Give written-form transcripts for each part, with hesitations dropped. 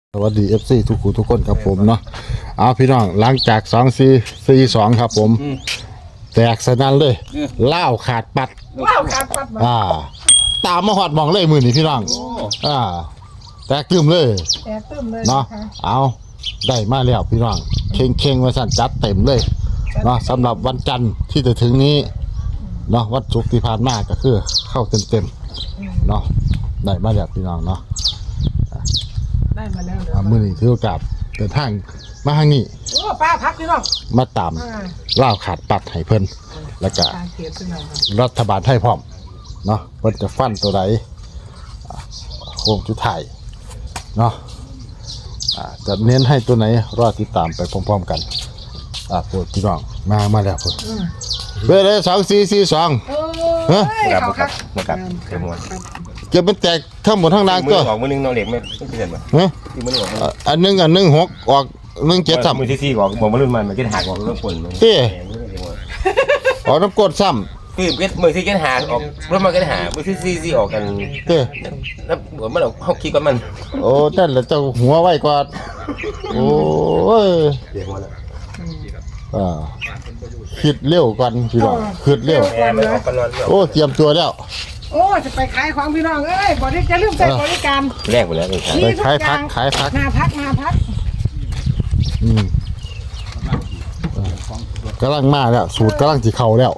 สวัสดี FC ทุกคู่ทุกคนครับผมเนาะเอาพี่น้องหลังจาก2-4-4-2ครับผมแตกสนั่นเลยล่าวขาดปัดตามมาหอดมองเลยมือนี่พี่น้องแตกตึมเลยเนาะเอาได้มาแล้วพี่น้องเข่งมาสั่นจัดเต็มเลยเนาะสำหรับวันจันทร์ที่จะถึงนี้เนาะวันศุกร์ที่ผ่านมาก็คือเข้าเต็มเนาะได้มาแล้วพี่น้องเนาะได้มาแล้วมือนี้ถือโอกาสเดินทางมาทางนี้โอ้ป้าพักพี่น้องมาตามล่าวขาดปัดให้เพิ่นแล้วก็รัฐบาลไทยพร้อมเนาะเพิ่นจะฟันตัวใดโค้งสุดท้ายเนาะจะเน้นให้ตัวไหนรอติดตามไปพร้อมๆกันโปรดพี่น้องมาแล้วพุ่นเบอร์เลย2-4-4-2 บ่กลับเขียวมวนเก็บเป็นแตกทั้งหมดทั้งนางก็ออกมือนึงน้องเหล็กไม่เปลี่ยนบ่ที่มือออกอันนึง6ออก1-7ซ้ำมือที่4ออกบ่มารุ่นมันกินหักออกเรื่องปนมันออกน้ำกรดซ้ำคือมือที่กินหักออกรุ่นมันกินหักมือที่4ออกกันแล้วเหมือนมันเฮาคิดว่ามันโอ้นั่นแหละเจ้าหัวไว้กว่าโอ้ยเดี๋ยวมาแล้วคิดเร็วก่อนพี่น้องคิดเร็วโอ้เตรียมตัวแล้วโอ้จะไปขายของพี่น้องเอ้ยบริการลืมใส่บริการแรกไปแล้วไปขายพักหน้าพักกำลังมาแล้วสูตรกำลังจีเข่าแล้ว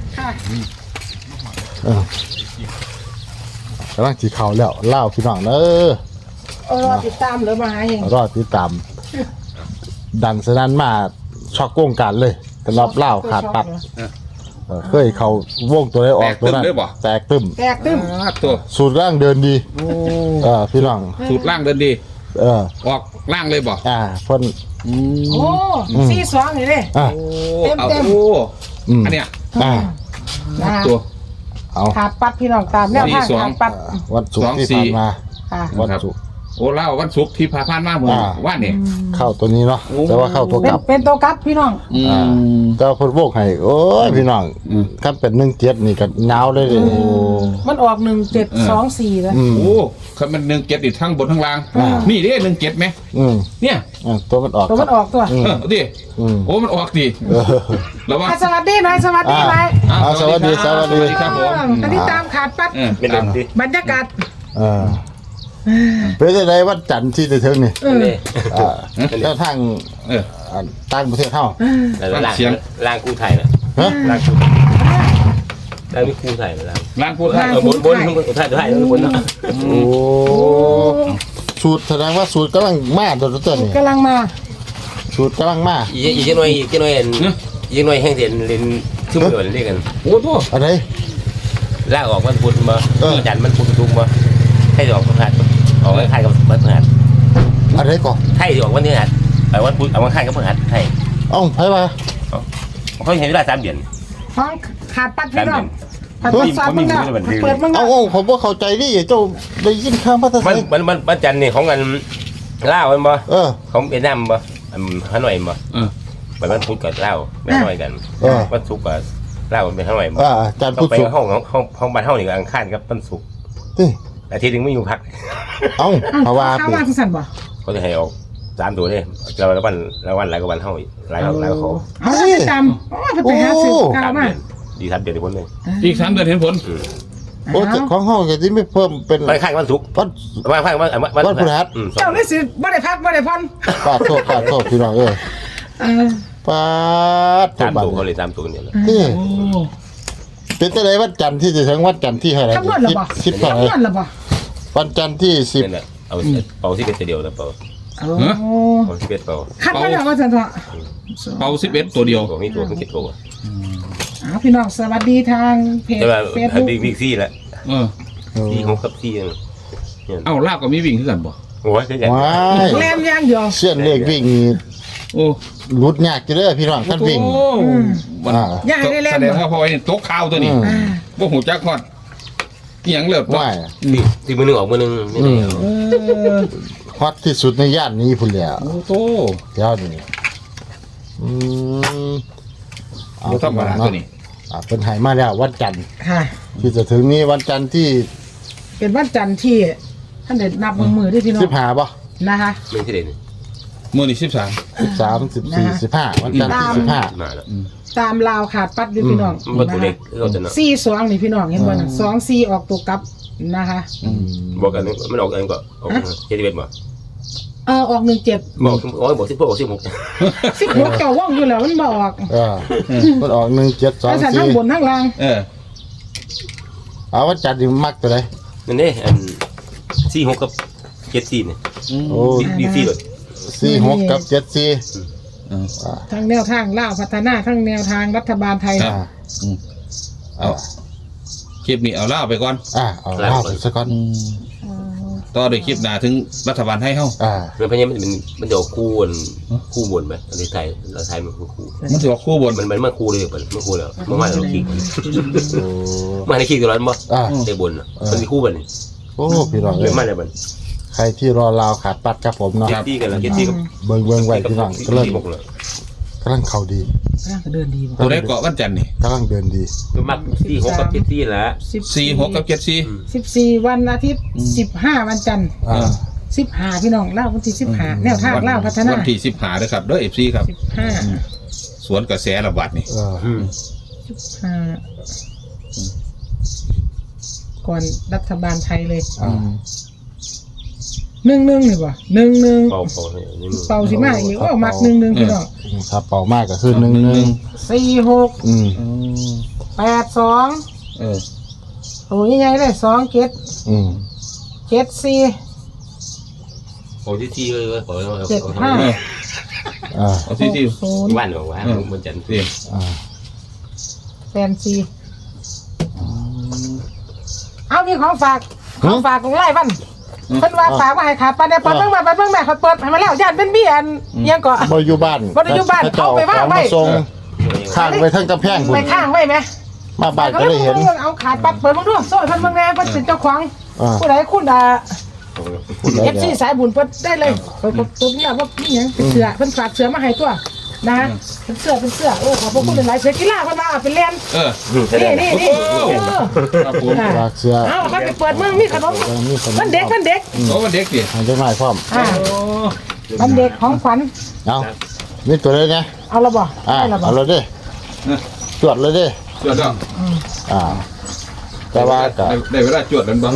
กำลังจีเข่าแล้วเล่าพี่น้องเนอะรอติดตามหรือมาหาเองรอติดตามดันสนั่นมาช็อกวงการเลยสำหรับเล่าขาดปัดเคยเขาวงตัวได้ออกตัวนั้นแตกตึมตัวสูตรร่างเดินดีพี่น้องสูตรร่างเดินดีออกร่างเลยบ่พ่นโอ้4-2นี่เลยเต็มอันเนี้ยตัวเอาขาดปัดพี่น้องตามแนวทางขาดปัดวันศุกร์ที่ผ่านมาวันศุกร์โอ้เล่าวันศุกร์ที่ผ่านมาเหมือนว่าเนี่ยเข้าตัวนี้เนาะแต่ว่าเข้าตัวกลับเป็นตัวกลับพี่น้องแต่พดโบกให้โอ้ยพี่น้องถ้าเป็น17นี่ก็ยาวเลยมันออก1724แล้วโอ้คันมัน17อีกทั้งบนทั้งล่างนี่เด้17ไหมเนี่ยตัวมันออกตัวดิโอ้มันออกดิแล้วว่าสวัสดีหน่อยสวัสดีหน่อยสวัสดีครับผมอันนี้ตามขาดปัดบรรยากาศเป็นอะไรวัดจันทร์ที่จะถึงนี่แล้วทางต่างประเทศเท่าล่างกู้ไทยนะล่างกู้ล่างไม่กู้ไทยนะล่างกู้ไทยบนไทยบนเนาะโอ้สูตรแสดงว่าสูตรกำลังมาตัวนี้กำลังมาสูตรกำลังมาอีกหน่อยแห้งเสียนเล่นชื่อเหมือนเรียกกันโอ้โหอะไรล่างออกมันพุดมาจันมันพุดทุกมาให้ออกวันพฤหัสออกวันไทยกับวันพฤหัสอะไรก่อนไทยออกวันพฤหัสวันพุธวันไทยกับพฤหัสไทยไพ่มาเขาเห็นเวลา3 เดือนฟังขาดปัดพี่น้องเปิดมันผมว่าเข้าใจดิเจ้าได้ยินข้ามภาษาไทยมันจันนี่ของกันล่าวันบ่ของเวียดนามบ่ฮานอยบ่มันพุธกับล่าไม่น้อยกันวันศุกร์กับล่ามันเป็นฮานอยบ่จันทร์พุธศุกร์ห้องบ้านห้องนี่ก็อังคารกับวันศุกร์อาทิตย์นึงไม่อยู่พักเพราะว่าที่สั่นบ่เขาจะให้ออก3 ตัวเลยเราวันหลายกว่าวันเท่าอีกหลายเขาจำไปหาซื้อกาวมาดี3 เดือนเห็นผลเลยอีก3 เดือนเห็นผลโอ้แต่ของห้องก็ที่ไม่เพิ่มเป็นวันข้างวันศุกร์วันข้างวันพฤหัสเจ้าได้สิบ่ได้พักบ่ได้ผ่อนปาโทษพี่น้องปา 3 ตัวเขาเลย3 ตัวเนี่ยนี่เป็นแต่ไหนวันจันทร์ที่จะถึงวันจันทร์ที่อะไร 10เท่าไหร่วันจันทร์ที่10 เอาที่เป็นเดียวนะเปล่าเอา11เปล่าคัดมาแล้วว่าจันทร์เป่า11ตัวเดียวมีตัว7 ตัวพี่น้องสวัสดีทางเพจเฟซบุ๊กบิ๊กซี่แหละซี่ของกับซี่ลาบก็มีวิ่งขึ้นกันบ่โอ้ยแรงย่างเดียวเสี้ยนเลขวิ่งรุดยากจะเลยพี่น้องท่านวิ่งยากได้แรงแสดงว่าพอไอ้โต๊ะข้าวตัวนี้ว่าหูจักฮอดอย่างเลิศว่าที่มือนึงออกมือนึงฮอตที่สุดในย่านนี้พุ่นแล้วโอ้โหยาวนี่เอาธรรมดาตัวนี้เป็นหายมาแล้ววันจันทร์ที่จะถึงนี้วันจันทร์ที่เป็นวันจันทร์ที่ท่านเด็ดนับมือที่พี่น้อง 15ป่ะนะคะไม่ใช่เด่นมื้อนี้13 13 14 15วันจันทร์ที่15 มาแล้วตามลาวขาดปัดอยู่พี่น้องมันตัวเล็กเราจะเนาะ 42นี่พี่น้องเห็นบ่น่ะ24ออกตัวกลับนะคะบอกกันมันออกกันก็ออก71บ่ออก17 บอกบอก16บอก16 16เจ้าว่องอยู่แล้วมันบ่ออกมันออก1 7 แต่ทั้งบน 2 ทั้งล่าง 4เอาวันจันทร์นี่มักตัวใดนั่นนี่อัน46กับ74นี่โอ้ดีเลย 46กับ74 ทั้งแนวทางลาวพัฒนาทั้งแนวทางรัฐบาลไทยเอาคลิปนี้เอาล่าไปก่อนเอาเล่าไปซะก่อนต่อด้วยคลิปหน้าถึงรัฐบาลให้เฮามันพยายามมันจะคู่บนไหมอันนี้ไทยเราไทยมันคู่มันสิออกคู่บนมันมาคู่เลยมันคู่แล้วมันมาเราขี้มาในขี้ตัวร้อนบ่เตะบนมันมีคู่บนนี่โอ้พี่น้องเรื่องมาเลยบนใครที่รอลาวขาดปัดครับผมเนาะเก็ตตี้กันแล้วเก็ตตี้กับเบิ่งไว้พี่น้องกำลังเข้าดีก็เดินดีบ่ตัวได้เกาะวันจันทร์นี่กำลังเดินดีมัก46กับ74แล้ว 46กับ74 14วันอาทิตย์15วันจันทร์15พี่น้องลาววันที่15แนวทางลาวพัฒนาวันที่15เด้อครับเด้อ FC ครับ 15 สวนกระแสระบาดนี่ก่อนรัฐบาลไทยเลย11นี่บ่11 เป่าเป่าสิมาอีกมัก11พี่น้องถ้าเป่ามากก็คือ11 46 82โอ้ยใหญ่เลย2 7 74 โอ้ที่เลยขอเอาที่ 0 บ้านบอกว่ามันจันทร์แฟนซีเอามีของฝากของไล่บ้านเพิ่นว่าฝากมาให้ขาดไปเนี่ยเปิดเบิ่งแม่เขาเปิดให้มาแล้วญาติเป็นบี้อันยังก็บ่อยู่บ้านเอาไปวางไว้ส่งข้างไว้ทั้งกำแพงพุ่ไปนข้างไว้ไหมมาบ้านก็ได้เห็นเอาขาดปัดเปิดมาดูโซ่เพิ่นเบิ่งแน่เพิ่นเป็นเจ้าของผู้ใดคุณFC สายบุญเพิ่นได้เลยเปิดตัวนี้ว่ามีหยังเป็นเสื้อเพิ่นฝากเสื้อมาให้ตัวนะเป็นเสื้อโอ้ขอบคุณหลายเสื้อกีฬาเพิ่นมาเป็นแลนนี่ครับผมฝากเสื้อเอาไปเปิดเมืองมีขนมมันเด็กโอ้วันเด็กดิให้จังหน่อยพร้อมมันเด็กของขวัญเอามีตัวใดนะเอาละบ่ได้ละบ่เอาเลยดิจวดเลยดิจวดแล้วแต่ว่าก็ได้เวลาจวดแล้วบ่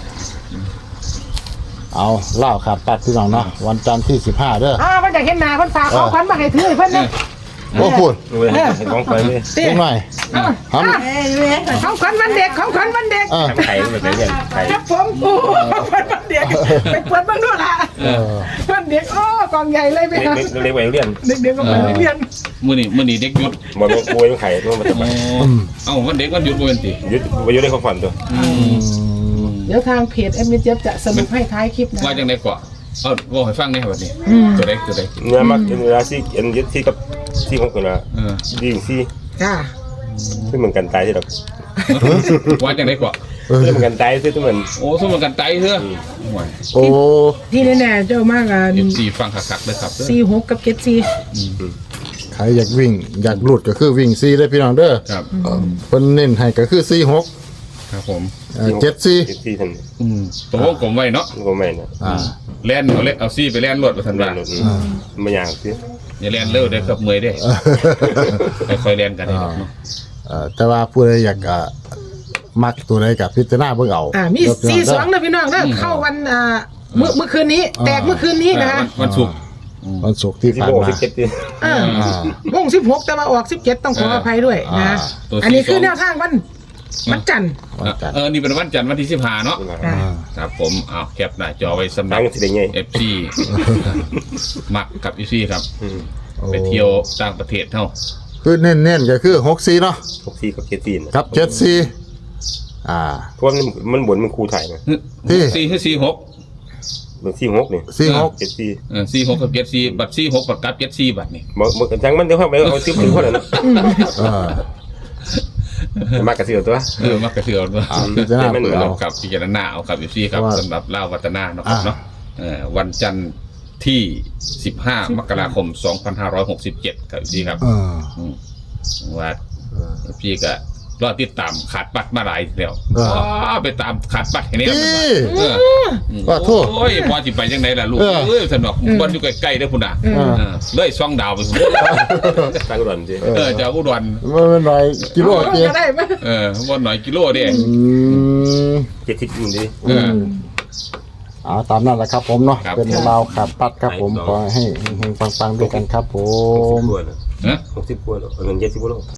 เอาเล่าขาดปัดพี่น้องเนาะวันจันทร์ที่15เด้อมันอยากเห็นหน้าเพิ่นฝากของขวัญมาให้ถือเพิ่นนะโอ้พูดของไปเลยติเล็กหน่อยของขวัญวันเด็กของขวัญวันเด็กไข่แบบนี้ไข่ครับผมโอ้ของขวัญวันเด็กไปเปิดเบิ่งดูล่ะวันเด็กโอ้กองใหญ่เลยไปครับเล็กๆไว้เรียนเด็กๆก็ไปเรียนมื้อนี้เด็กหยุดบอกว่าป่วยไข่ต้องมาจับเอ้าวันเด็กวันหยุดบ่เป็นติยึดไปยึดได้ของฝันตัวเดี๋ยวทางเพจเอ็มเจฟจะสรุปให้ท้ายคลิปนะว่าจังได๋ก็บอกให้ฟังแหน่บัดนี้ตัวเด็กเนื้อมักเนื้อซี่อันยึดซี่กับซี่ของคนละดีซี่จ้าซึ่งเหมือนกันตายที่เราว่าจังได๋ก็ซึ่งเหมือนกันตายซึ่งเหมือนโอ้สมมันกันไตเถอะโอ้ที่แน่ๆเจ้ามากอ่ะ FC ฟังคักๆเด้อครับ 46กับ74 ใครอยากวิ่งอยากหลุดก็คือวิ่ง4เลยพี่น้องเด้อครับเพิ่นเน้นให้ก็คือ46 ครับผม 74 ซี่ทันตัววงกลมไว้เนาะก็ไม่นะแล่นเอาซี่ไปแล่นรวดไปทันว่าไม่ยากสิอย่าแล่นเร็วเด้อครับเมื่อยเด้ค่อยๆแล่นกันได้เนาะแต่ว่าผู้ใดอยากมักตัวใดกับพิจารณาเบิ่งเอามี42นะพี่น้องนะเข้าวันเมื่อคืนนี้แตกเมื่อคืนนี้นะคะวันศุกร์วันศุกร์ที่ผ่านมาวง16แต่ว่าออก17ต้องขออภัยด้วยนะอันนี้คือแนวทางวันจันทร์นี่เป็นวันจันทร์วันที่15เนาะครับผมเอาแคปหน้าจอไว้สำหรับ FC มักกับ FC ครับไปเที่ยวต่างประเทศเฮาคือเน้นๆก็คือ64เนาะ 64กับ74 ครับ74 เพราะมันบ่นมันครูถ่ายนะ 4คือ46 มัน46นี่74 46กับ74บัตร46บัตรกับ74บัตรนี่บ่จังมันเดี๋ยวเข้าไปเอาซื้อถึงคนนั้นมากระเสือตัวมักกระเทือนว่าพิจารณาเบิ่งเอากับพิจารณาเอาครับอยู่ซี่ครับสำหรับเล่าวัฒนาเนาะครับเนาะวันจันทร์ที่15มกราคม2567ครับอยู่ซี่ครับว่าพี่ก็รอติดตามขาดปัดมาหลายแล้วไปตามขาดปัดให้แน่ว่าโทษโอ้ยพอจิไปยังไงล่ะลูกสนุกบอลอยู่ใกล้ๆเด้อพุ่นน่ะเลยซ่องดาวไปพุ่นตั้งอุดรสิจากอุดรมันหน่อยกิโลเตี้ยก็ได้ไหมบ่หน่อยกิโลเด้ 70อยู่ดิตามนั้นแหละครับผมเนาะเป็นราวขาดปัดครับผมขอให้เฮงๆปังๆด้วยกันครับผม 60 กว่าเนาะ60 กว่าเนาะเงิน70 กว่าโล